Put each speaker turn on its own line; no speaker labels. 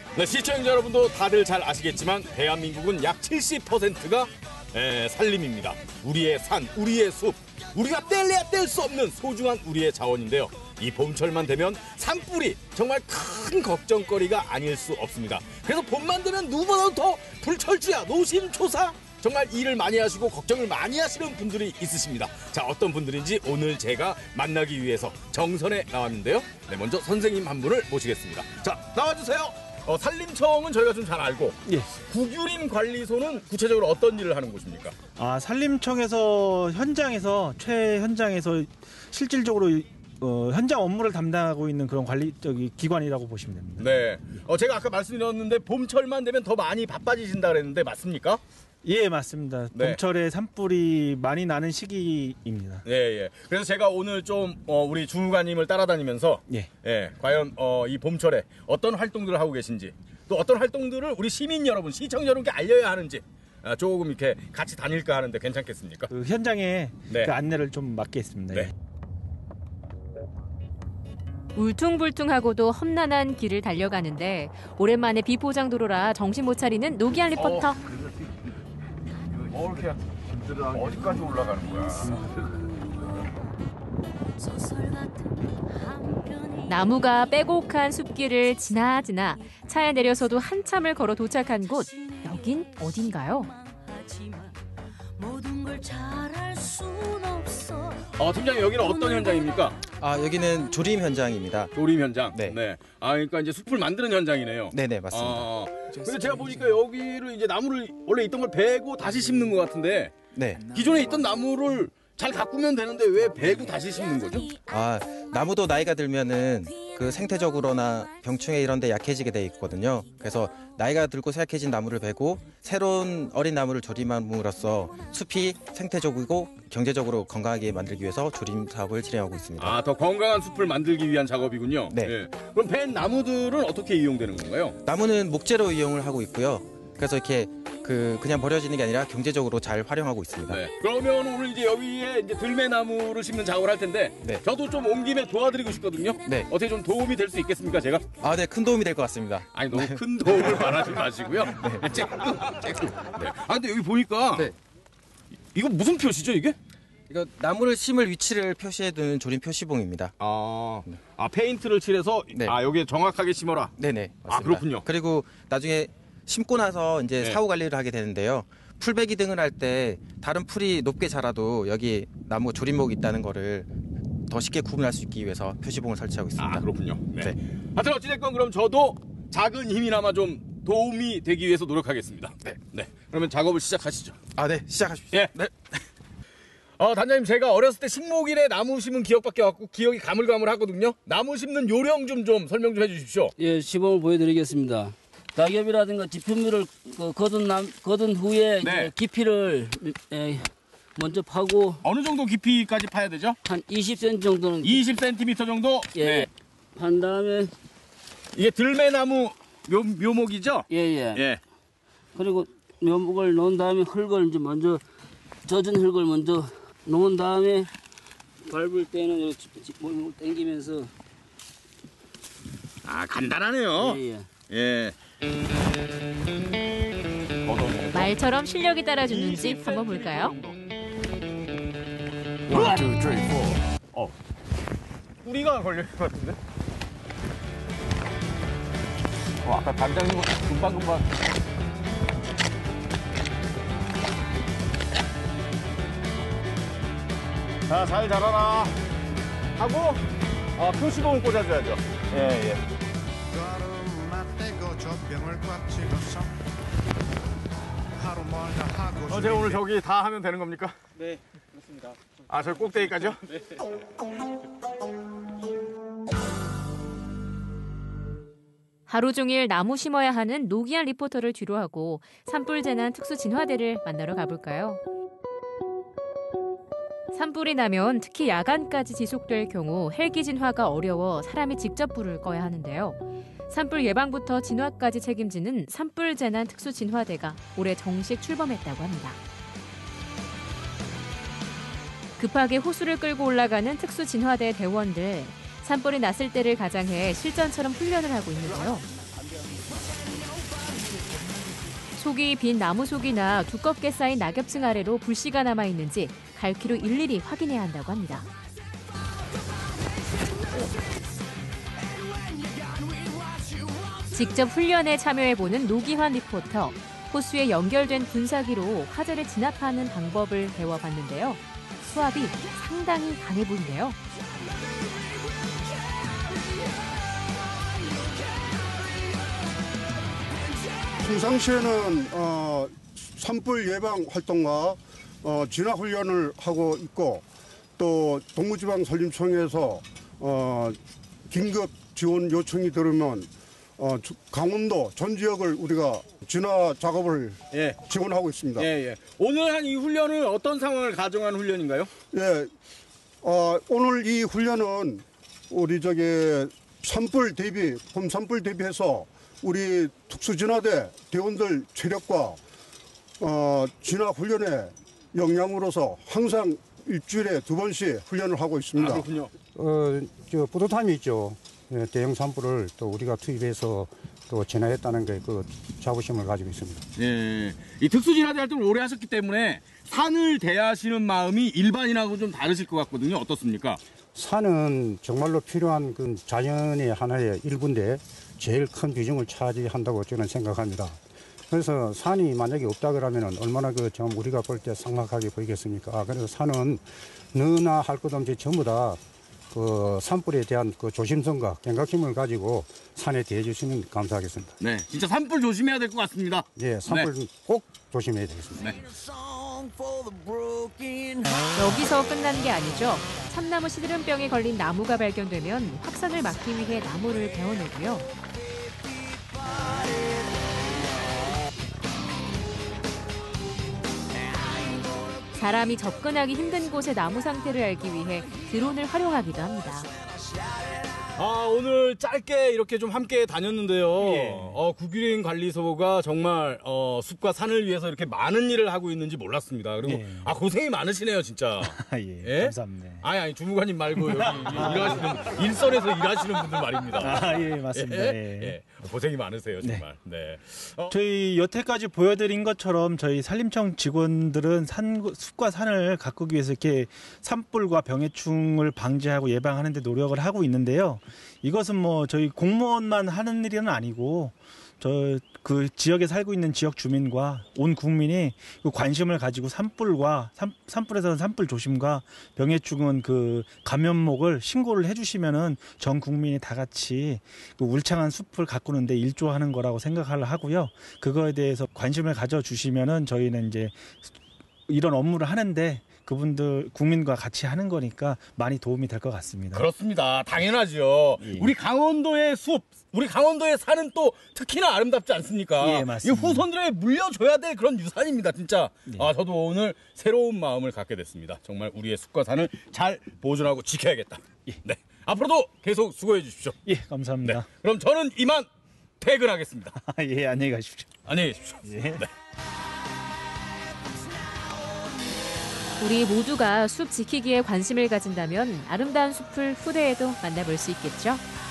네, 시청자 여러분도 다들 잘 아시겠지만 대한민국은 약 70%가 산림입니다. 우리의 산, 우리의 숲, 우리가 뗄래야 뗄 수 없는 소중한 우리의 자원인데요. 이 봄철만 되면 산불이 정말 큰 걱정거리가 아닐 수 없습니다. 그래서 봄만 되면 누구보다도 더 불철주야, 노심초사 정말 일을 많이 하시고 걱정을 많이 하시는 분들이 있으십니다. 자, 어떤 분들인지 오늘 제가 만나기 위해서 정선에 나왔는데요. 네, 먼저 선생님 한 분을 모시겠습니다. 자, 나와주세요. 산림청은 저희가 좀 잘 알고,
예.
국유림 관리소는 구체적으로 어떤 일을 하는 곳입니까?
산림청에서 최현장에서 실질적으로 현장 업무를 담당하고 있는 그런 기관이라고 보시면 됩니다.
네. 제가 아까 말씀드렸는데 봄철만 되면 더 많이 바빠지신다 그랬는데 맞습니까?
예, 맞습니다.
네.
봄철에 산불이 많이 나는 시기입니다.
예, 예. 그래서 제가 오늘 좀 우리 주무관님을 따라다니면서 과연 이 봄철에 어떤 활동들을 하고 계신지, 또 어떤 활동들을 우리 시민 여러분, 시청자 여러분께 알려야 하는지 조금 이렇게 같이 다닐까 하는데 괜찮겠습니까?
그 현장에
네.
그 안내를 좀 맡겠습니다.
네.
울퉁불퉁하고도 험난한 길을 달려가는데 오랜만에 비포장도로라 정신 못 차리는 노기한 리포터.
이렇게 어디까지 올라가는 거야?
나무가 빼곡한 숲길을 지나지나 차에 내려서도 한참을 걸어 도착한 곳. 여긴 어딘가요?
팀장님, 여기는 어떤 현장입니까?
여기는 조림 현장입니다.
조림 현장.
네.
네. 그러니까 이제 숲을 만드는 현장이네요.
네네, 맞습니다.
근데 제가 보니까 여기를 이제 나무를 원래 있던 걸 베고 다시 심는 것 같은데,
네.
기존에 있던 나무를 잘 가꾸면 되는데 왜 베고 다시 심는 거죠?
나무도 나이가 들면은 그 생태적으로나 병충해 이런 데 약해지게 돼 있거든요. 그래서 나이가 들고 쇠약해진 나무를 베고 새로운 어린 나무를 조림함으로써 숲이 생태적이고 경제적으로 건강하게 만들기 위해서 조림 사업을 진행하고 있습니다.
더 건강한 숲을 만들기 위한 작업이군요.
네.
예. 그럼 벤 나무들은 어떻게 이용되는 건가요?
나무는 목재로 이용을 하고 있고요. 그래서 이렇게 그냥 버려지는 게 아니라 경제적으로 잘 활용하고 있습니다.
네. 그러면 오늘 이제 여기에 이제 들매나무를 심는 작업을 할 텐데,
네.
저도 좀 온 김에 도와드리고 싶거든요.
네.
어떻게 좀 도움이 될 수 있겠습니까, 제가?
네, 큰 도움이 될 것 같습니다.
아니, 너무 큰 도움을 바라지 마시고요. 쬐끔. 네. 근데 여기 보니까
네.
이거 무슨 표시죠, 이게?
이거 나무를 심을 위치를 표시해두는 조림 표시봉입니다.
페인트를 칠해서
네.
여기에 정확하게 심어라.
네네, 맞습니다.
그렇군요.
그리고 나중에 심고 나서 이제
네.
사후 관리를 하게 되는데요. 풀베기 등을 할 때 다른 풀이 높게 자라도 여기 나무 조림목이 있다는 거를 더 쉽게 구분할 수 있기 위해서 표시봉을 설치하고 있습니다.
그렇군요. 네.
네.
하여튼 어찌됐건 그럼 저도 작은 힘이나마 좀 도움이 되기 위해서 노력하겠습니다. 네. 그러면 작업을 시작하시죠.
네, 시작하십시오.
예.
네.
단장님, 제가 어렸을 때 식목일에 나무 심은 기억밖에 없고 기억이 가물가물하거든요. 나무 심는 요령 좀 설명 좀 해주십시오.
예, 시범을 보여드리겠습니다. 낙엽이라든가 지표물을 거둔 후에
네.
이제 깊이를 먼저 파고
어느 정도 깊이까지 파야 되죠?
한 20cm 정도는
20cm 정도?
예,
네.
판 다음에
이게 들매나무 묘목이죠?
예. 그리고 묘목을 넣은 다음에 흙을 이제 먼저 젖은 흙을 먼저 놓은 다음에 밟을 때는 이렇게 몸을 당기면서
간단하네요.
예.
말처럼 실력이 따라주는지 한번 볼까요?
뿌리가 걸릴 것 같은데? 아까 단장님 금방금방. 자, 잘 자라라 하고 표시봉을 꽂아줘야죠. 예. 제가 오늘 저기 다 하면 되는 겁니까?
네, 그렇습니다.
저 꼭대기까지요?
네.
하루 종일 나무 심어야 하는 노기한 리포터를 뒤로 하고 산불 재난 특수 진화대를 만나러 가볼까요? 산불이 나면 특히 야간까지 지속될 경우 헬기 진화가 어려워 사람이 직접 불을 꺼야 하는데요. 산불 예방부터 진화까지 책임지는 산불 재난 특수 진화대가 올해 정식 출범했다고 합니다. 급하게 호수를 끌고 올라가는 특수 진화대 대원들. 산불이 났을 때를 가장해 실전처럼 훈련을 하고 있는데요. 속이 빈 나무 속이나 두껍게 쌓인 낙엽층 아래로 불씨가 남아 있는지 갈퀴로 일일이 확인해야 한다고 합니다. 직접 훈련에 참여해보는 노기환 리포터. 호수에 연결된 분사기로 화재를 진압하는 방법을 배워봤는데요. 수압이 상당히 강해 보이네요.
평상시에는 산불 예방 활동과 진화 훈련을 하고 있고 또 동부지방산림청에서 긴급 지원 요청이 들으면 강원도 전 지역을 우리가 진화 작업을 지원하고 있습니다.
오늘 한 이 훈련은 어떤 상황을 가정한 훈련인가요?
오늘 이 훈련은 우리 산불 대비, 봄 산불 대비해서 우리 특수진화대 대원들 체력과 진화 훈련의 역량으로서 항상 일주일에 2번씩 훈련을 하고 있습니다.
그렇군요.
뿌듯함이 있죠. 대형 산불을 또 우리가 투입해서 또 진화했다는 게 그 자부심을 가지고 있습니다.
이 특수진화대 활동을 오래 하셨기 때문에 산을 대하시는 마음이 일반인하고 좀 다르실 것 같거든요. 어떻습니까?
산은 정말로 필요한 그 자연의 하나의 일부인데 제일 큰 비중을 차지한다고 저는 생각합니다. 그래서 산이 만약에 없다 그러면 얼마나 좀 우리가 볼 때 삭막하게 보이겠습니까? 그래서 산은 너나 할 것 없이 전부 다 산불에 대한 조심성과 경각심을 가지고 산에 대해 주시면 감사하겠습니다.
네, 진짜 산불 조심해야 될 것 같습니다.
산불 꼭 조심해야 되겠습니다.
여기서 끝난 게 아니죠. 참나무 시드름병에 걸린 나무가 발견되면 확산을 막기 위해 나무를 베어내고요. 사람이 접근하기 힘든 곳의 나무 상태를 알기 위해 드론을 활용하기도 합니다.
오늘 짧게 이렇게 좀 함께 다녔는데요. 구기린 관리소가 정말 숲과 산을 위해서 이렇게 많은 일을 하고 있는지 몰랐습니다. 그리고 고생이 많으시네요, 진짜.
감사합니다.
아니 주무관님 말고 여기 일하시는 일선에서 일하시는 분들 말입니다.
맞습니다.
고생이 많으세요, 정말. 네.
저희 여태까지 보여드린 것처럼 저희 산림청 직원들은 숲과 산을 가꾸기 위해서 이렇게 산불과 병해충을 방지하고 예방하는 데 노력을 하고 있는데요. 이것은 뭐 저희 공무원만 하는 일은 아니고 그 지역에 살고 있는 지역 주민과 온 국민이 그 관심을 가지고 산불에서는 산불 조심과 병해충은 그 감염목을 신고를 해주시면은 전 국민이 다 같이 그 울창한 숲을 가꾸는데 일조하는 거라고 생각을 하고요. 그거에 대해서 관심을 가져주시면은 저희는 이제 이런 업무를 하는데 그분들 국민과 같이 하는 거니까 많이 도움이 될 것 같습니다.
그렇습니다. 당연하죠. 우리 강원도의 숲, 우리 강원도의 산은 또 특히나 아름답지 않습니까?
맞습니다.
이 후손들에게 물려줘야 될 그런 유산입니다, 진짜. 저도 오늘 새로운 마음을 갖게 됐습니다. 정말 우리의 숲과 산을 잘 보존하고 지켜야겠다. 네, 앞으로도 계속 수고해 주십시오.
감사합니다.
네, 그럼 저는 이만 퇴근하겠습니다.
안녕히 가십시오.
안녕히 계십시오. 네.
우리 모두가 숲 지키기에 관심을 가진다면 아름다운 숲을 후대에도 만나볼 수 있겠죠.